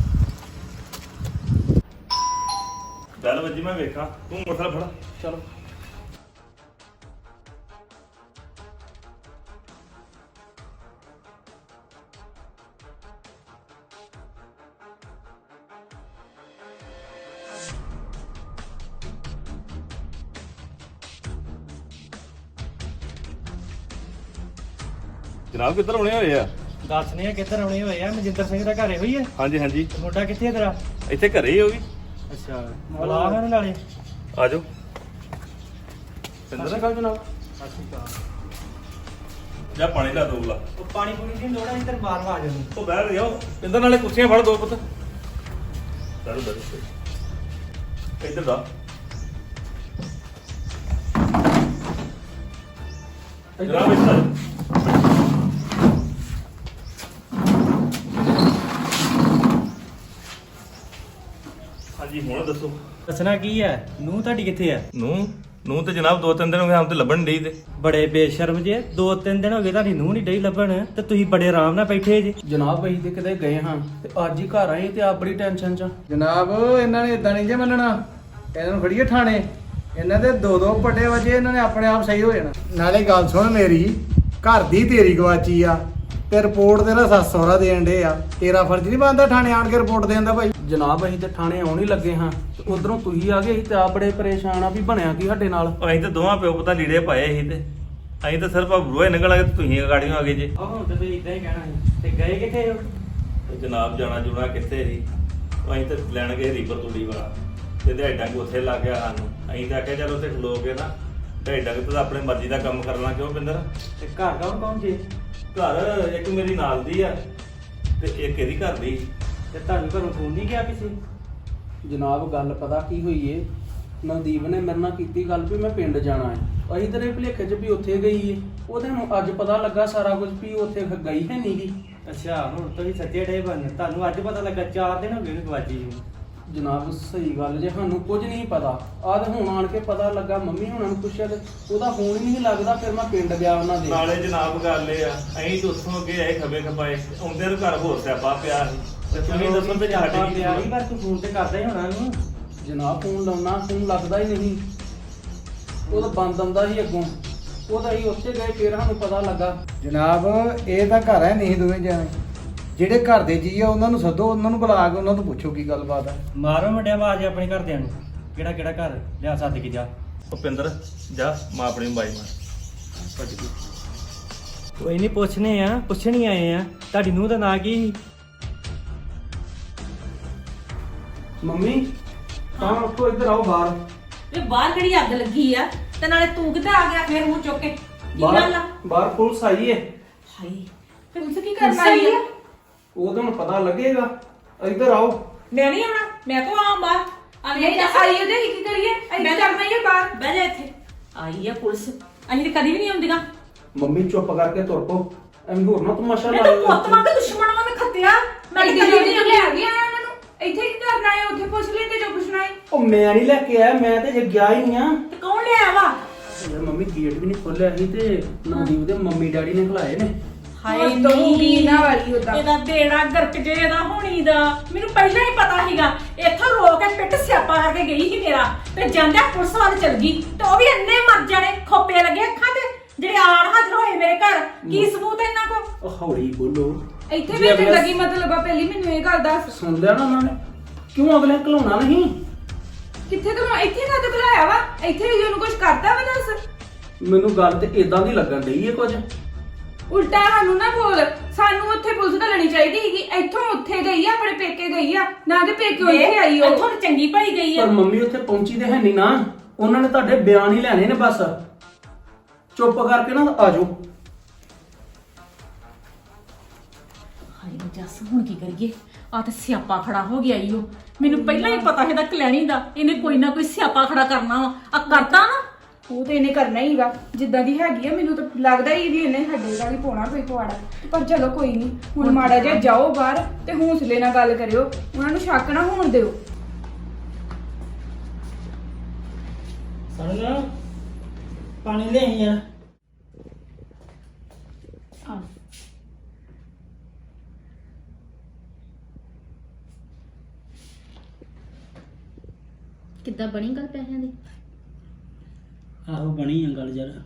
ਚੱਲ ਵੱਜੀ, ਮੈਂ ਵੇਖਾਂ, ਤੂੰ ਮੋਟਰਸਾਈਕਲ ਫੜ। ਚਲੋ। ਜਨਾਬ ਕਿੱਧਰ ਆਉਣੇ ਹੋਏ ਆ? ਦੱਸਨੇ ਆ ਕਿੱਧਰ ਆਉਣੇ ਹੋਏ ਆ। ਮਨਜਿੰਦਰ ਸਿੰਘ ਦਾ ਘਰੇ ਹੋਈ ਹੈ। ਹਾਂਜੀ ਹਾਂਜੀ, ਮੁੰਡਾ ਕਿੱਥੇ ਤੇਰਾ? ਇੱਥੇ ਘਰੇ ਹੀ ਹੋ ਵੀ। ਅੱਛਾ, ਬੁਲਾ ਮੈਨੂੰ ਨਾਲੇ। ਆ ਜਾਓ। ਸਤਿ ਸ਼੍ਰੀ ਅਕਾਲ ਜਨਾਬ। ਸਤਿ ਸ਼੍ਰੀ ਅਕਾਲ। ਜਾ ਪਾਣੀ ਲਾ ਦੋ ਗਲਾ। ਉਹ ਪਾਣੀ ਪੂਣੀ ਦੀ ਲੋੜ ਹੈ, ਇੱਧਰ ਬਾਹਰ ਆ ਜਾਓ। ਉਹ ਬਹਿ ਜਾਓ, ਇੰਦਰ ਨਾਲੇ ਕੁਰਸੀਆਂ ਫੜ ਦੋ ਪੁੱਤ। ਦਰ ਦਰ ਇੱਧਰ ਦਾ। ਜਨਾਬ ਇੱਧਰ। ਹਾਂਜੀ ਹੁਣ ਦੱਸੋ। ਦੱਸਣਾ ਕੀ ਹੈ? ਨੂੰਹ ਤੁਹਾਡੀ ਕਿੱਥੇ ਆ? ਨੂੰ ਨੂੰ ਤੇ ਜਨਾਬ ਦੋ ਤਿੰਨ ਦਿਨ ਹੋ ਗਏ ਹਮ ਤੇ ਲੱਭਣ ਡਈ ਤੇ। ਬੜੇ ਬੇਸ਼ਰਮ ਜੇ, ਦੋ ਤਿੰਨ ਦਿਨ ਹੋ ਗਏ ਤੁਹਾਡੀ ਨੂੰਹ ਨਹੀਂ ਡਈ ਲੱਭਣ, ਤੇ ਤੁਸੀਂ ਬੜੇ ਆਰਾਮ ਨਾਲ ਬੈਠੇ ਜੇ। ਜਨਾਬ ਅਸੀਂ ਤੇ ਕਿਤੇ ਗਏ ਹਾਂ ਤੇ ਅੱਜ ਹੀ ਘਰ ਆਏ ਤੇ ਆਪ ਬੜੀ ਟੈਨਸ਼ਨ ਚ। ਜਨਾਬ ਇਹਨਾਂ ਨੇ ਇਦਾਂ ਨਹੀਂ ਜੇ ਮੰਨਣਾ, ਇਹਨਾਂ ਨੂੰ ਫੜੀਏ ਥਾਣੇ। ਇਹਨਾਂ ਦੇ ਦੋ ਦੋ ਪੱਟੇ ਵਜੇ, ਇਹਨਾਂ ਨੇ ਆਪਣੇ ਆਪ ਸਹੀ ਹੋ ਜਾਣਾ। ਨਾਲੇ ਗੱਲ ਸੁਣ ਮੇਰੀ, ਘਰ ਦੀ ਤੇਰੀ ਗਵਾਚੀ ਆ ਤੇ ਰਿਪੋਰਟ ਤੇਰਾ ਸੱਸ ਸਹੁਰਾ ਦੇਣ ਡੇ ਆ। ਤੇਰਾ ਫਰਜ਼ ਨਹੀਂ ਬਣਦਾ ਥਾਣੇ ਆਣ ਕੇ ਰਿਪੋਰਟ ਦੇਣ ਦਾ ਭਾਈ। ਜਨਾਬ ਅਸੀਂ ਤੇ ਥਾਣੇ ਆਉਣ ਹੀ ਲੱਗੇ ਹਾਂ ਤੇ ਉਧਰੋਂ ਤੁਸੀਂ ਆ ਗਏ, ਅਸੀਂ ਤੇ ਆਪ ਬੜੇ ਪਰੇਸ਼ਾਨ ਆ ਵੀ ਬਣਿਆ ਕੀ ਸਾਡੇ ਨਾਲ। ਅਸੀਂ ਤੇ ਦੋਵਾਂ ਪਿਓ ਪੁੱਤਾਂ ਲੀੜੇ ਪਾਏ ਸੀ ਤੇ ਅਸੀਂ ਤਾਂ ਸਿਰਫ ਬਰੋਏ ਨਿਕਲ ਆਏ ਤੇ ਤੁਸੀਂ ਗਾੜੀਆਂ ਆ ਗਏ ਜੇ। ਆਹ ਹੁਣ ਤੇ ਤੁਸੀਂ ਇਦਾਂ ਹੀ ਕਹਿਣਾ ਸੀ। ਤੇ ਗਏ ਕਿੱਥੇ ਹੋ? ਤੇ ਜਨਾਬ ਜਾਣਾ ਜੁਣਾ ਕਿੱਥੇ ਸੀ, ਉਹ ਅਸੀਂ ਤੇ ਲੈਣ ਗਏ ਰੀਪਰ ਤੂੜੀ ਵਾਲਾ, ਤੇ ਦਿਹਾੜਾ ਕੋ ਉੱਥੇ ਲੱਗ ਗਿਆ ਸਾਨੂੰ। ਅਸੀਂ ਤਾਂ ਆਖਿਆ ਚਲ ਉੱਥੇ ਖਲੋ ਕੇ ਨਾ ਦਿਹਾੜਾ ਕਿ ਤਾਂ ਆਪਣੇ ਮਰਜ਼ੀ ਦਾ ਕੰਮ ਕਰਨਾ। ਕਿਉਂ ਪਿੰਦਰ? ਤੇ ਘਰ ਕੌਣ ਕੌਣ ਜੇ? ਘਰ ਇੱਕ ਮੇਰੀ ਨਾਲ ਦੀ ਆ ਤੇ ਇੱਕ ਇਹਦੀ ਘਰ ਦੀ। ਤੇ ਤੁਹਾਨੂੰ ਘਰੋਂ ਫੋਨ ਨਹੀਂ ਗਿਆ ਕਿਸੇ? ਜਨਾਬ ਗੱਲ ਪਤਾ ਕੀ ਹੋਈ ਏ, ਨਵਦੀਪ ਨੇ ਮੇਰੇ ਨਾਲ ਕੀਤੀ ਗੱਲ ਵੀ ਮੈਂ ਪਿੰਡ ਜਾਣਾ ਹੈ। ਅਸੀਂ ਤੇਰੇ ਭੁਲੇਖੇ 'ਚ ਵੀ ਉੱਥੇ ਗਈ ਏ, ਉਹਦੇ ਨੂੰ ਅੱਜ ਪਤਾ ਲੱਗਾ ਸਾਰਾ ਕੁਝ ਵੀ ਉੱਥੇ ਗਈ ਹੈ ਨੀਗੀ। ਅੱਛਾ, ਹੁਣ ਤੁਸੀਂ ਸੱਚੇ ਡੇ ਬਣ, ਤੁਹਾਨੂੰ ਅੱਜ ਪਤਾ ਲੱਗਾ? ਚਾਰ ਦਿਨ ਹੋ ਗਏ ਗਵਾਜੀ ਨੂੰ। ਜਨਾਬ ਸਹੀ ਗੱਲ ਜੇ, ਸਾਨੂੰ ਕੁਝ ਨਹੀਂ ਪਤਾ। ਆਹ ਤੇ ਹੁਣ ਆਣ ਕੇ ਪਤਾ ਲੱਗਾ, ਮੰਮੀ ਹੁਣਾਂ ਨੂੰ ਪੁੱਛਿਆ ਤੇ ਉਹਦਾ ਫੋਨ ਹੀ ਨਹੀਂ ਲੱਗਦਾ। ਫਿਰ ਮੈਂ ਪਿੰਡ ਗਿਆ ਉਹਨਾਂ ਦੇ। ਨਾਲੇ ਜਨਾਬ ਗੱਲ ਇਹ ਆ, ਅਸੀਂ ਤਾਂ ਉੱਥੋਂ ਅੱਗੇ ਆਏ ਖੱਬੇ ਖਪਾਏ, ਆਉਂਦੇ ਨੂੰ ਘਰ ਹੋਰ ਸਿਆਪਾ ਪਿਆ ਸੀ। ਤੇ ਤੁਸੀਂ ਦੱਸੋ ਤੇ ਆਪਾਂ ਸਾਡੀ ਪਿਆ ਹੀ, ਪਰ ਤੂੰ ਫੋਨ ਤੇ ਕਰਦਾ ਹੀ ਹੋਣਾ ਨੂੰ। ਜਨਾਬ ਫੋਨ ਲਾਉਣਾ, ਫੋਨ ਲੱਗਦਾ ਹੀ ਨਹੀਂ। ਉਹ ਤਾਂ ਬੰਦ ਆਉਂਦਾ ਸੀ ਅੱਗੋਂ। ਉਹਦਾ ਹੀ ਉੱਥੇ ਗਏ, ਫਿਰ ਸਾਨੂੰ ਪਤਾ ਲੱਗਾ। ਜਨਾਬ ਇਹ ਤਾਂ ਘਰ ਹੈ ਨਹੀਂ ਦੋਵੇਂ ਜਾਣੇ। ਜਿਹੜੇ ਘਰ ਦੇ ਜੀ ਆ ਉਹਨਾਂ ਨੂੰ ਸੱਦੋ, ਉਹਨਾਂ ਨੂੰ ਬੁਲਾ ਕੇ ਉਹਨਾਂ ਤੋਂ ਪੁੱਛੋ ਕੀ ਗੱਲਬਾਤ ਆ। ਮਾਰੋ ਮੁੰਡਿਆ ਆਵਾਜ਼ ਆਪਣੇ ਘਰਦਿਆਂ ਨੂੰ, ਕਿਹੜਾ ਕਿਹੜਾ ਘਰ ਲਿਆ ਸੱਦ ਕੇ ਜਾ। ਭੁਪਿੰਦਰ ਜਾ, ਮਾਂ ਆਪਣੀ ਬਾਈ ਮਾਰ। ਕੋਈ ਨਹੀਂ, ਪੁੱਛਨੇ ਆ, ਪੁੱਛਣੀ ਆਏ ਆ। ਤੁਹਾਡੀ ਨੂੰਹ ਦਾ ਨਾਂ ਕੀ ਸੀ? ਮੰਮੀ ਤਾਂ ਉੱਠੋ ਇੱਧਰ ਆਓ ਬਾਹਰ। ਵੇ ਬਾਹਰ ਕਿਹੜੀ ਅੱਗ ਲੱਗੀ ਆ ਤੇ ਨਾਲੇ ਤੂੰ ਕਿੱਥੇ ਆ ਗਿਆ ਫੇਰ ਮੂੰਹ ਚੁੱਕ ਕੇ ਕੀ ਗੱਲ ਆ? ਬਾਹਰ ਬਾਹਰ ਪੁਲਿਸ ਆਈ ਏ। ਹਾਏ ਪੁਲਿਸ ਕੀ ਕਰਨ ਆਈ ਆ? ਉਹ ਤੁਹਾਨੂੰ ਪਤਾ ਲੱਗੇਗਾ। ਇੱਧਰ ਆਓ। ਮੈਂ ਨਹੀਂ ਆਉਣਾ, ਮੈਂ ਕੋ ਆਵਾਂ ਬਾਹਰ ਆ ਨਹੀਂ ਨਹੀਂ ਤਾਂ ਆਈ ਉਹਦੇ ਕੀ ਕਰੀਏ ਇੱਥੇ ਕਰਨਾ ਹੀ ਆ ਬਾਹਰ। ਬਹਿ ਜਾ ਇੱਥੇ। ਆਈ ਆ ਪੁਲਿਸ, ਅਸੀਂ ਤੇ ਕਦੀ ਵੀ ਨਹੀਂ ਆਉਂਦੀਆਂ। ਮੰਮੀ ਚੁੱਪ ਕਰਕੇ ਤੁਰ ਪੋ, ਐਵੇਂ ਹੋਰ ਨਾ ਤਮਾਸ਼ਾ ਮੈਂ ਤਾਂ ਲਾਇਓ। ਪੁੱਤ ਵਾਂਗ ਦੁਸ਼ਮਣ ਵਾਂ ਮੈਂ ਖੱਤਿਆ। ਮੈਂ ਮੈਂ ਤਾਂ ਇੱਥੇ ਕਦੀ ਵੀ ਨਹੀਂ ਨਹੀਂ ਲੈ ਗਿਆ ਉਹਨਾਂ ਨੂੰ। ਇੱਥੇ ਕੀ ਕਰਨਾ ਹੈ? ਉੱਥੇ ਪੁੱਛ ਲੈਂਦੇ ਜੋ ਪੁੱਛਣਾ ਹੈ। ਉਹ ਮੈਂ ਨਹੀਂ ਲੈ ਕੇ ਆਇਆ, ਮੈਂ ਤੇ ਜੇ ਗਿਆ ਹੀ ਨਹੀਂ ਆ। ਤੇ ਕੌਣ ਲਿਆਇਆ ਵਾ? ਯਾਰ ਮੰਮੀ ਗੇਟ ਵੀ ਨਹੀਂ ਖੋਲਿਆ ਸੀ ਤੇ ਨਵਦੀਪ ਦੇ ਮੰਮੀ ਡੈਡੀ ਨੇ ਖਲਾਏ ਨੇ। ਹਾਏ ਤੋਂ ਵੀ ਨਾ ਵਾਲੀ ਉਹਦਾ। ਇਹਦਾ ਬੇੜਾ ਗਰਕ ਜੇ ਇਹਦਾ ਹੋਣੀ ਦਾ ਮੈਨੂੰ ਪਹਿਲਾਂ ਹੀ ਪਤਾ ਸੀਗਾ। ਇੱਥੋਂ ਰੋ ਕੇ ਪਿੱਟ ਸਿਆਪਾ ਕਰਕੇ ਗਈ ਸੀ ਮੇਰਾ ਤੇ ਜਾਂਦਿਆਂ ਪੁਲਿਸ ਵੱਲ ਚਲ ਗਈ ਤੇ ਉਹ ਵੀ ਇੰਨੇ ਮਰ ਜਾਣੇ ਖੋਪੇ ਲੱਗੇ ਅੱਖਾਂ ਤੇ ਜਿਹੜੇ ਆਣ ਹਾਜ਼ਰ ਹੋਏ ਮੇਰੇ ਘਰ। ਕੀ ਸਬੂਤ ਹੈ ਇਹਨਾਂ ਕੋਲ? ਉਹ ਹੌਲੀ ਬੋਲੋ। ਇੱਥੇ ਜੇ ਵੀ ਅਗਲੇ- ਜ਼ਿੰਦਗੀ ਮਤਲਬ ਆ। ਪਹਿਲੀ ਮੈਨੂੰ ਇਹ ਗੱਲ ਦੱਸ, ਸੁਣ ਲਿਆ ਨਾ ਉਹਨਾਂ ਨੇ? ਕਿਉਂ ਅਗਲੇ ਘਲਾਉਣਾ ਨਹੀਂ? ਕਿੱਥੇ ਤੂੰ ਇੱਥੇ ਕਦ ਬੁਲਾਇਆ ਵਾ? ਇੱਥੇ ਵੀ ਉਹਨੂੰ ਕੁਝ ਕਰਤਾ ਵਾ? ਦੱਸ। ਮੈਨੂੰ ਗੱਲ ਤੇ ਇਦਾਂ ਦੀ ਲੱਗਣ ਡਈ ਏ ਕੁਝ। ਉਲਟਾ ਸਾਨੂੰ ਨਾ ਬੋਲ। ਸਾਨੂੰ ਉੱਥੇ ਪੁਲਿਸ ਘੱਲਣੀ ਚਾਹੀਦੀ ਸੀਗੀ। ਇੱਥੋਂ ਉੱਥੇ ਗਈ ਆ, ਆਪਣੇ ਪੇਕੇ ਗਈ ਆ, ਨਾ ਕਿ ਪੇਕੇ ਇੱਥੇ ਆਈ ਉਹ। ਇੱਥੋਂ ਤਾਂ ਚੰਗੀ ਭਲੀ ਗਈ ਆ। ਪਰ ਮੰਮੀ ਉੱਥੇ ਪਹੁੰਚੀ ਤੇ ਹੈ ਨਹੀਂ ਨਾ। ਉਹਨਾਂ ਨੇ ਤੁਹਾਡੇ ਬਿਆਨ ਹੀ ਲੈਣੇ ਨੇ ਬਸ। ਚੁੱਪ ਕਰਕੇ ਨਾ ਆ ਜਾਓ। ਹਾਏ ਜੱਸ ਹੁਣ ਕੀ ਕਰੀਏ? ਆ ਤੇ ਸਿਆਪਾ ਖੜਾ ਹੋ ਗਿਆ ਈ ਉਹ। ਮੈਨੂੰ ਪਹਿਲਾਂ ਹੀ ਪਤਾ ਇਹਦਾ ਕਲੈਣੀ ਦਾ ਇਹਨੇ ਕੋਈ ਨਾ ਕੋਈ ਸਿਆਪਾ ਖੜਾ ਕਰਨਾ ਵਾ। ਆ ਕਰਤਾ ਨਾ। ਉਹ ਤੇ ਇਹਨੇ ਕਰਨਾ ਹੀਗਾ ਜਿੱਦਾਂ ਦੀ ਹੈਗੀ ਆ। ਮੈਨੂੰ ਤਾਂ ਲੱਗਦਾ ਹੀ ਵੀ ਇਹਨੇ ਸਾਡੇ ਨਾਲ ਹੀ ਪਾਉਣਾ ਕੋਈ ਪਵਾੜਾ। ਪਰ ਚਲੋ ਕੋਈ ਨਹੀਂ, ਹੁਣ ਮਾੜਾ ਜਿਹਾ ਜਾਓ ਬਾਹਰ ਤੇ ਹੌਸਲੇ ਨਾਲ ਗੱਲ ਕਰਿਓ। ਉਹਨਾਂ ਨੂੰ ਸ਼ੱਕ ਨਾ ਹੋਣ ਦਿਓ। ਸਾਨੂੰ ਪਾਣੀ ਲੈ ਆਈ ਯਾਰ। ਕਿੱਦਾਂ ਬਣੀ ਗੱਲ ਪੈਸਿਆਂ ਦੀ? ਆਹੋ ਬਣੀ ਆ ਗੱਲ ਯਾਰ।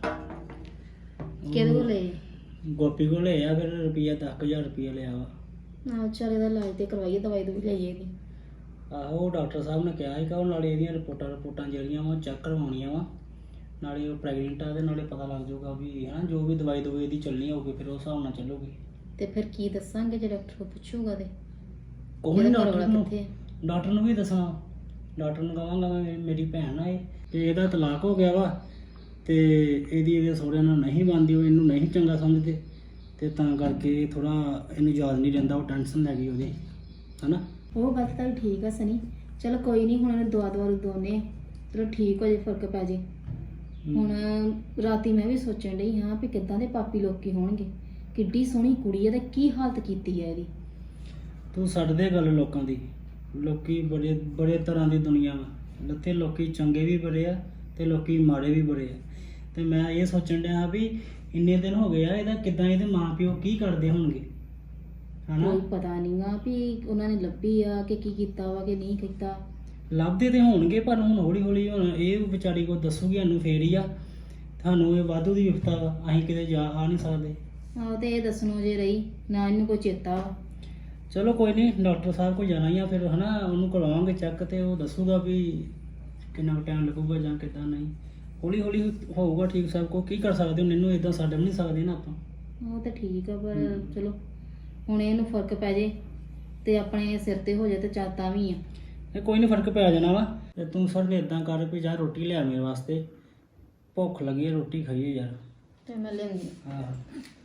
ਕਿਹਦੇ ਕੋਲ ਲਏ? ਗੋਪੀ ਕੋਲ ਲਿਆ, ਫਿਰ ਰੁਪਈਆ ਦਸ ਹਜ਼ਾਰ ਰੁਪਈਆ ਲਿਆ ਵਾ। ਨਾ ਚੱਲ ਇਹਦਾ ਇਲਾਜ ਤੇ ਕਰਵਾਈਏ, ਦਵਾਈ ਦੂਈ ਲਈਏ ਇਹਦੀ। ਆਹੋ ਡਾਕਟਰ ਸਾਹਿਬ ਨੇ ਕਿਹਾ ਸੀ ਕਿ ਉਹ ਨਾਲੇ ਇਹਦੀਆਂ ਰਿਪੋਰਟਾਂ ਰਿਪੋਰਟਾਂ ਜਿਹੜੀਆਂ ਵਾ ਚੈੱਕ ਕਰਵਾਉਣੀਆਂ ਵਾ। ਨਾਲੇ ਉਹ ਪ੍ਰੈਗਨੈਂਟ ਆ ਤੇ ਨਾਲੇ ਪਤਾ ਲੱਗ ਜਾਊਗਾ ਵੀ ਹਨਾ ਜੋ ਵੀ ਦਵਾਈ ਦਵਾਈ ਦੀ ਚੱਲਣੀ ਹੋਊਗੀ ਫਿਰ ਉਸ ਹਿਸਾਬ ਨਾਲ ਚੱਲੂਗੀ। ਤੇ ਫਿਰ ਕੀ ਦੱਸਾਂਗੇ ਜੇ ਡਾਕਟਰ ਕੋਲ ਪੁੱਛੂਗਾ ਤੇ? ਕੋਈ ਇਹਦਾ ਘਰ ਡਾਕਟਰ ਵਾਲਾ ਨੂੰ ਕਿੱਥੇ ਆ? ਡਾਕਟਰ ਨੂੰ ਵੀ ਦੱਸਣਾ। ਡਾਕਟਰ ਨੂੰ ਕਹਾਂਗਾ ਮੈਂ ਮੇਰੀ ਭੈਣ ਆ ਇਹ ਤੇ ਇਹਦਾ ਤਲਾਕ ਹੋ ਗਿਆ ਵਾ ਤੇ ਇਹਦੀ ਇਹਦੇ ਸਹੁਰਿਆਂ ਨਾਲ ਨਹੀਂ ਬਣਦੀ, ਉਹ ਇਹਨੂੰ ਨਹੀਂ ਚੰਗਾ ਸਮਝਦੇ ਤੇ ਤਾਂ ਕਰਕੇ ਥੋੜਾ ਇਹਨੂੰ ਯਾਦ ਨਹੀਂ ਰਹਿੰਦਾ। ਉਹ ਟੈਨਸ਼ਨ ਲੈ ਗਈ ਉਹਦੀ ਹਨਾ। ਉਹ ਗੱਲ ਤਾਂ ਠੀਕ ਆ ਸਨੀ। ਚਲੋ ਕੋਈ ਨਹੀਂ, ਹੁਣ ਇਹਨੂੰ ਦਵਾ ਦਵਾ ਦੋਨੇ ਚਲੋ ਠੀਕ ਹੋ ਜੇ, ਫਰਕ ਪੈ ਜੇ। ਹੁਣ ਰਾਤੀ ਮੈਂ ਵੀ ਸੋਚਣ ਡਈ ਹਾਂ ਵੀ ਕਿੱਦਾਂ ਦੇ ਪਾਪੀ ਲੋਕੀ ਹੋਣਗੇ। ਕਿੱਡੀ ਸੋਹਣੀ ਕੁੜੀ ਆ ਤੇ ਕੀ ਹਾਲਤ ਕੀਤੀ ਆ ਇਹਦੀ। ਤੂੰ ਛੱਡ ਦੇ ਗੱਲ ਲੋਕਾਂ ਦੀ। ਲੋਕੀ ਬੜੇ ਬੜੇ ਤਰ੍ਹਾਂ ਦੀ ਦੁਨੀਆ ਵਾ। ਲੱਤੇ ਲੋਕੀ ਚੰਗੇ ਵੀ ਬੜੇ ਆ ਤੇ ਲੋਕੀ ਮਾੜੇ ਵੀ ਬੜੇ ਆ। ਤੇ ਮੈਂ ਇਹ ਸੋਚਣ ਡਿਆ ਵੀ ਇੰਨੇ ਦਿਨ ਹੋ ਗਏ ਆ, ਇਹਦਾ ਕਿੱਦਾਂ ਇਹਦੇ ਮਾਂ ਪਿਓ ਕੀ ਕਰਦੇ ਹੋਣਗੇ ਹਨਾ। ਕੋਈ ਪਤਾ ਨਹੀਂਗਾ ਵੀ ਉਹਨਾਂ ਨੇ ਲੱਭੀ ਆ ਕਿ ਕੀ ਕੀਤਾ ਵਾ ਕਿ ਨਹੀਂ ਕੀਤਾ। ਲੱਭਦੇ ਤੇ ਹੋਣਗੇ ਪਰ ਹੁਣ ਹੌਲੀ ਹੌਲੀ ਹੁਣ ਇਹ ਵਿਚਾਰੀ ਕੋ ਦੱਸੂਗੀ ਸਾਨੂੰ ਫੇਰ ਹੀ ਆ। ਤੁਹਾਨੂੰ ਇਹ ਵਾਧੂ ਦੀ ਵਿਫਤਾ ਵਾ, ਅਸੀਂ ਕਿਤੇ ਜਾ ਆ ਨਹੀਂ ਸਕਦੇ। ਆਹੋ ਤੇ ਇਹ ਦੱਸਣੋਂ ਜੇ ਰਹੀ ਨਾ ਇਹਨੂੰ ਕੋਈ ਚੇਤਾ ਵਾ। ਚਲੋ ਕੋਈ ਨਹੀਂ, ਡਾਕਟਰ ਸਾਹਿਬ ਕੋਲ ਜਾਣਾ ਹੀ ਆ ਫਿਰ ਹਨਾ। ਉਹਨੂੰ ਕਰਵਾਵਾਂਗੇ ਚੈੱਕ ਤੇ ਉਹ ਦੱਸੂਗਾ ਵੀ ਕਿੰਨਾ ਟਾਈਮ ਲੱਗੂਗਾ ਜਾਂ ਕਿੱਦਾਂ ਨਹੀਂ। ਹੌਲੀ ਹੌਲੀ ਹੋਊਗਾ ਠੀਕ ਸਭ ਕੋ। ਕੀ ਕਰ ਸਕਦੇ ਹੁਣ ਇਹਨੂੰ ਇਦਾਂ ਛੱਡ ਵੀ ਨਹੀਂ ਸਕਦੇ ਨਾ ਆਪਾਂ। ਉਹ ਤਾਂ ਠੀਕ ਆ ਪਰ ਚਲੋ ਹੁਣ ਇਹਨੂੰ ਫਰਕ ਪੈ ਜੇ ਤੇ ਆਪਣੇ ਸਿਰ ਤੇ ਹੋ ਜਾਏ ਤੇ ਚੱਲ ਤਾਂ ਵੀ ਆ। ਇਹ ਕੋਈ ਨਹੀਂ ਫਰਕ ਪੈ ਜਾਣਾ ਵਾ। ਤੇ ਤੂੰ ਸਰ ਨੇ ਇਦਾਂ ਕਰ ਵੀ ਜਾ ਰੋਟੀ ਲਿਆ ਮੇਰੇ ਵਾਸਤੇ, ਭੁੱਖ ਲੱਗੀ ਹੈ, ਰੋਟੀ ਖਾਈਏ ਯਾਰ। ਤੇ ਮੈਂ ਲਿਆਉਂਦੀ ਹਾਂ